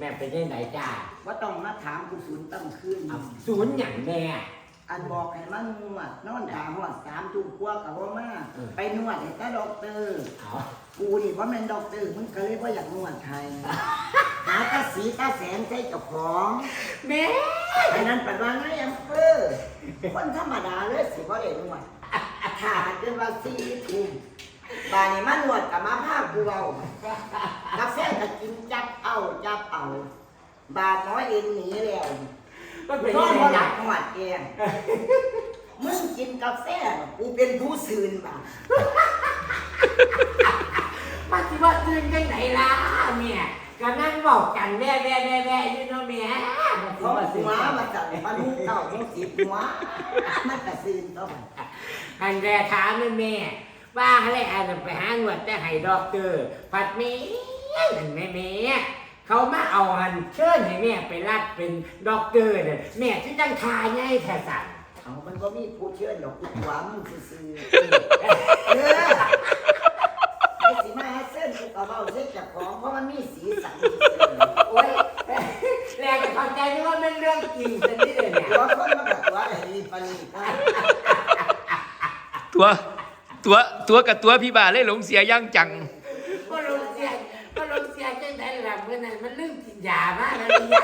ม่เป็นยังไงจ้าว่าต้องมาถามกูศูนย์ตั้งคืนศูนย์อย่างแม่อันบอกให้มันนวดนอนตาหอด3 ทุ่มกว่ากับว่ามาไปนวดให้ตาด็อกเตอร์กูนี่ว่าเป็นด็อกเตอร์มึงก็เลยว่าอยากนวดไทยหาตาสีตาแสงใช้เจ้าของแม่อันนั้นเป็นว่าไงอำเภอคนธรรมดาเลยสิว่าได้นวดถ้าเกินว่า4 ทุ่มบานนี้มานวดกับมาผ้ากูเอากาแฟก็กินจับเอาบาดน้อยเองหนีแล้วนอนบ่หลับหอดแกงมึงกินกาแฟกูเป็นผู้ซื่นบ่ามาสิว่าตื่นจังไหนล่ะแม่ก็นั่งบอกกันแว่อยู่เนาะแม่เพราะหัวมาจับมาลูกเต่าต้องสิหัวมันก็ซื่นต้องอันแรกถามแม่ว่าอะไรอันไปหาหนวดแต่ให้ด็อกเตอร์ผัดแม่เขามาเอาหันเชิญให้แม่ไปรับเป็นด็อกเตอร์เนี่ยแม่ที่จังทายไงแท้สั่นเอามันก็มีผู้เชิญดอกกูหัวมึงซื่อไอ้สิมาเส้นกูก็เว้าเส้นจากของเพราะมันมีสีสันโอ้ยแรงจะเข้าใจนี่ว่าเป็นเรื่องจริงซะนี่เลยเนี่ยตัวคนมันก็ตัวไอ้นี่ปานนี้ตัวกับตัวพี่บ่าเลยหลงเสียย่างจังก็ลงเสียจังได๋ล่ะเมื่อนั้นมันลืมกินยามาแล้วเนี่ย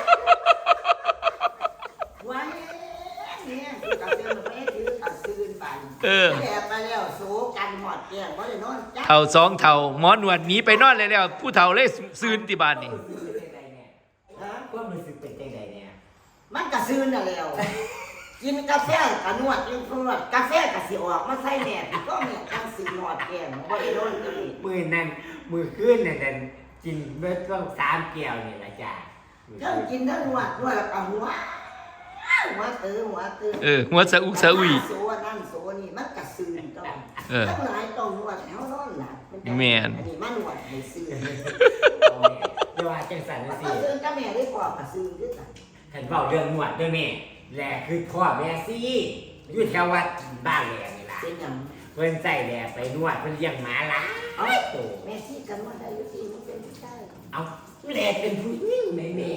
ว้ายเนี่ยกูก็เตือนไปถือตัดซื่นไปแอบไปแล้วโสกันหอดแก้มบ่ได้นอนจักเอา2 เท่าหมอนวดหนีไปนอนเลยแล้วผู้เฒ่าเลยซื่นที่บ้านนี่ก็รู้สึกเป็นจังได๋เนี่ยมันก็ซื่นน่ะแล้วกินกาแฟกับนวดกินนวดกาแฟกับสิออกมาใส่แม่ก็แม่ทั้งสิหอดแก้มบ่ได้นอนกันมื้อนั้นมื้อคืนนั่นกินเบิดต้อง3 แก้วนี่ล่ะจ้ะทั้งกินทั้งนวดแล้วก็หัวตื้อหัวสะอุกสะอุยโซนั่นโซนี่มันก็ซื่นต้องทั้งหลายต้องนวดเฮานอนหลับแม่นอันนี้มานวดให้ซื่นอย่าว่าจังซั่นจังซี่ซื่นกับแม่ได้พอก็ซื่นคือกันเห็นเว้าเรื่องนวดด้วยแม่แหละคือพ่อแม่สิอยู่แถววัดบ้านแหล่นี่ล่ะเป็นหยังเพิ่นใส่แหล่ไปนวดเพิ่นเลี้ยงหมาหลายโตแม่สิกันว่าได้อยู่สิมันเป็นผู้ชายเอ้าแหล่เป็นผู้หญิงแม่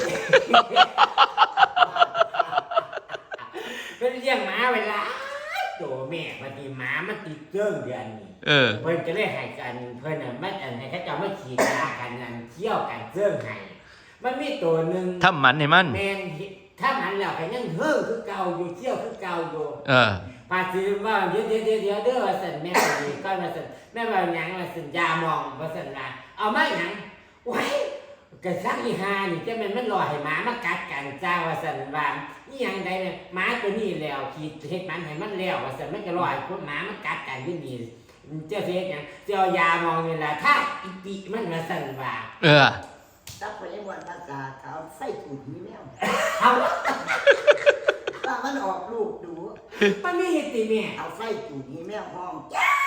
เพิ่นเลี้ยงหมาไว้หลายโตแม่พอดีหมามันติดเรื่องเดือนนี้เพิ่นก็เลยให้กันเพิ่นน่ะมันให้เขาเจ้ามาฉีดยากันนั่นเที่ยวกันเรื่องให้มันมีตัวนึงทำหมันให้มันแม่นถ้ามันแล้วก็ยังเฮิงคือเก่าอยู่เที่ยวคือเก่าอยู่ปาสิว่าเดี๋ยวเด้อว่าซั่นแม่นี่ก็ว่าซั่นแม่ว่าหยังว่าซั่นยามองว่าซั่นล่ะเอามาหยังโอ้ยกะซักอีหานี่จะแม่นมันรอให้หมามากัดกันจ้าว่าซั่นว่าอีหยังใดเนี่ยหมาตัวนี้แล้วขีดเฮ็ดมันให้มันแล้วว่าซั่นมันก็รอให้พวกหมามันกัดกันอยู่นี่เจ้าสิเฮ็ดหยังเจ้ายามองนี่ล่ะถ้าอีปิมันว่าซั่นว่าตับไปยังวันภาษาเขาไส้ถูดมีแมวเอาถ้ามันออกลูกดูมันมีเหตุแม่เอาไส้ถูดมีแมวห้อง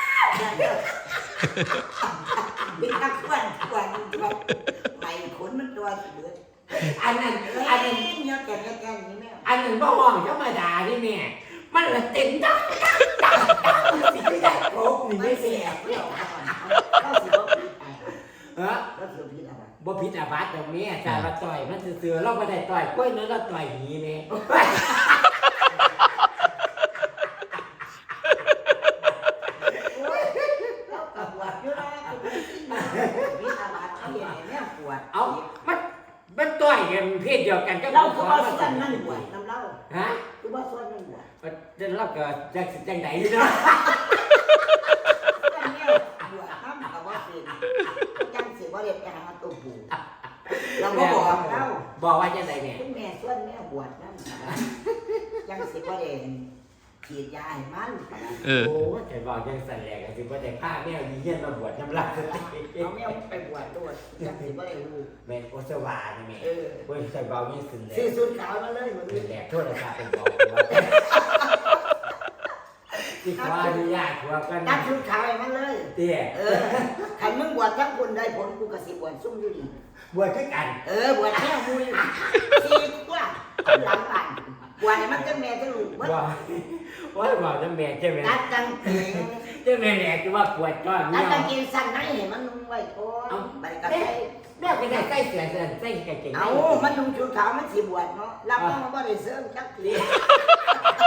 บิ๊กนักควันไม่ขนมันตัวเบืออันนั้นเยอะแก่มีแมวอันนั้นบ่ห้องธรรมดาดิแม่มันละเต็มดังสิไม่ได้โกงนี่ไม่เสียเข้าสิบ่ผิดก็สิผิดอะไรบ่ผิดอาบัติตรงนี้แต่ว่าต่อยมันซื่อๆเราบ่ได้ต่อยกล้วยนั้นเราต่อยหีแม่เอามันต่อยกันเพศเดียวกันก็เราก็ว่าส่วนนั่นบวชน้ำเล่าฮะคือว่าส่วนนั่นบวชเดินเล่าก็จังไดอยู่เนาะบวชน้ำกับว่าเป็นจังสิว่าเรียกจะหาตัวบูเราก็บอกว่าจังไดเนี่ยคุณแม่ส่วนแม่บวชน้ำจังสิว่าเรียกฉีดยาให้มันโอ้แต่บอกจังสั่นแหละก็สิว่าแต่ผ้าแมวดีเยี่ยนมาบวชน้ำลายเอาแมวไปบวชด้วยจังสิว่าเรียกลูกแม่โอสวานี่แม่เว้ยใส่เบานี่สุดเลยซื้อสุดขาวมาเลยมันแหลกโทษนะครับเป็นบอกว่าที่ขออนุญาตหัวกันตัดชุดขาวให้มันเลยเตี้ยขันมึงบวชทั้งคนได้ผลกูกระสิบวชซุ่มอยู่ดีบวชขึ้นกันบวชแค่มูยซีกว่าหลังบ้านบวชนี่มันจังแม่จังลูกเบิดว่าบอกจะแม่ใช่ไหมตัดกางเกงจะแม่แหละจะว่าปวดก้อนตัดเนี่ยกางเกงสั้นให้มันนุ่งไว้ก่อนไปกับใส่แม่ก็ได้ใส่เสื้อเสื้อใส่กางเกงเอามันนุ่งชุดขาวมันสิบวชเนาะรับมาบ่ได้เสริมจักที